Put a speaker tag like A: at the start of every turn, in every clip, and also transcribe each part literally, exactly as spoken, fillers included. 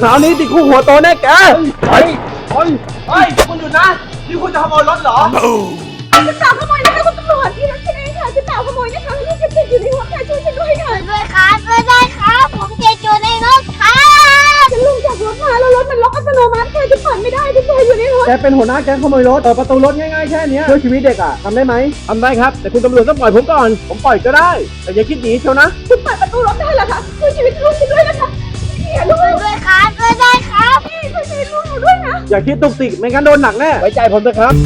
A: คราวนี้ติดคุกหัวโตแน่แกไปไป
B: เฮ้ยคุณหยุดนะนี่คุณจะขโมยรถเหรอ
C: จะเปล่าขโมยนะคะคุณตำรวจที่รถฉันเองค่ะจะเปล่าขโมยนะคะลูกฉันติดอยู่ในหัวค่ะช่วยฉันด้วยค่ะด้วยครับด้วยครับผมติดอยู่ในรถค่ะฉันลงจากรถมาแล้วรถมันล็อกอัตโนมัติค่ะจะผ่านไม่ได้ฉันติดอยู่ในรถ
A: แกเป็นหัวหน้าแก๊งขโมยรถเปิดประตูรถง่ายๆแค่นี้ช่วยชีวิตเด็กอ่ะทำได้ไหมทำได้ครับแต่คุณตำรวจต้องปล่อยผมก่อนผมปล่อยก็ได้แต่อย่าคิดหนีเชียวนะ
C: คุณเปิดประตูรถได้เหรอคะช่วยชีวิตลูกฉันด้วยนะคะพี่ลูกด้วยครับด้วยครับพี่ช่วยชีวิตลูกหนูด้วยนะ
A: อย่าคิดตุกติกไม่งั้นโดนหนักแน่ไว้ใจผมเถอะครับ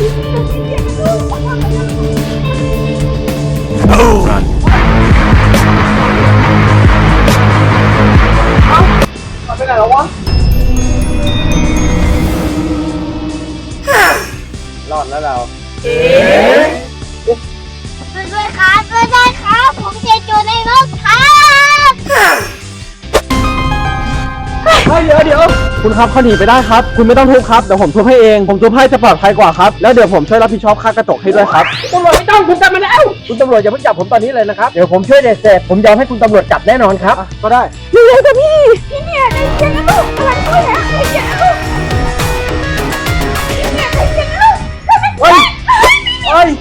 A: ไปไหนแล้ววะรอดแล้วเรา
C: ด้วยครับด้วยครับผมติดอยู่ในรถครับ
A: เฮ้ยเดี๋ยวเดี๋ยวคุณครับเขาหนีไปได้ครับคุณไม่ต้องทุบครับเดี๋ยวผมทุบให้เองผมทุบให้จะปลอดภัยกว่าครับแล้วเดี๋ยวผมช่วยรับผิดชอบค่ากระจกให้ด้วยครับตำรวจไม่ต้องคุณจับมาแล้วคุณตำรวจอย่าเพิ่งจับผมตอนนี้เลยนะครับเดี๋ยวผมช่วยเด็กเสร็จผมยอมให้คุณตำรวจจับแน่นอนครับก็ได้
C: เร็วๆจ้ะพี่พี่เนี่ยใจเย็นนะลูกกำลังช่วยนะใจเย็นนะลูกเนี่ยใจเย็นนะลูก
A: เฮ้ยเฮ้ย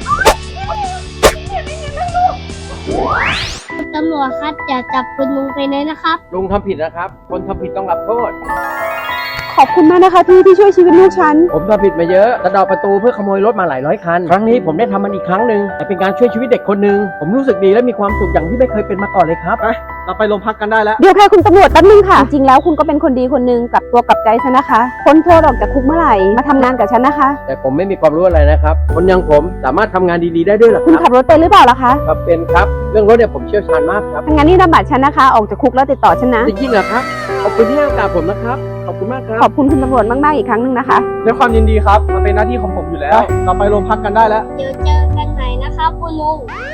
C: ตำรวจครับอย่าจับคุณลุงไปเลยนะครับ
A: ลุงทำผิดนะครับคนทำผิดต้องรับโทษ
C: ขอบคุณมากนะคะพี่ที่ช่วยชีวิตลูกฉัน
A: ผมทำผิดมาเยอะกระดอกประตูเพื่อขโมยรถมาหลายร้อยคันครั้งนี้ผมได้ทำมันอีกครั้งหนึ่งแต่เป็นการช่วยชีวิตเด็กคนหนึ่งผมรู้สึกดีและมีความสุขอย่างที่ไม่เคยเป็นมาก่อนเลยครับไปเราไปโรงพักกันได้แล้ว
C: เดี๋ยวค่ะคุณตำรวจแป๊บนึงค่ะจริงๆแล้วคุณก็เป็นคนดีคนหนึ่งกลับตัวกลับใจฉันนะคะพ้นโทษออกจากคุกเมื่อไหร่มาทำงานกับฉันนะคะ
A: แต่ผมไม่มีความรู้อะไรนะครับคนอย่างผมสามารถทำงานดีๆได้ด้วยหรอ
C: คุณขับรถเป็นหรือเปล่าล่ะคะ
A: ครับเป็นครับเรื่องรถเนี่ยผมเชี่ยวชาญมากครับ
C: งั้นนี่นำบัตรฉันนะคะออกจากคุกแล้วติดต่อฉันนะ
A: จริงๆเหรอครับขอบคุณที่ให้โอกาสผมนะครับขอบคุณมากครับ
C: ขอบคุณคุณตำรวจมากๆอีกครั้งหนึ่งนะคะ
A: ด้วยความยินดีครับมันเป็นหน้าที่ของผมอยู่แล้วเราไปโรงพักกันได้แล้ว
C: เดี๋ยวเจอกันใหม่นะคะคุณลุง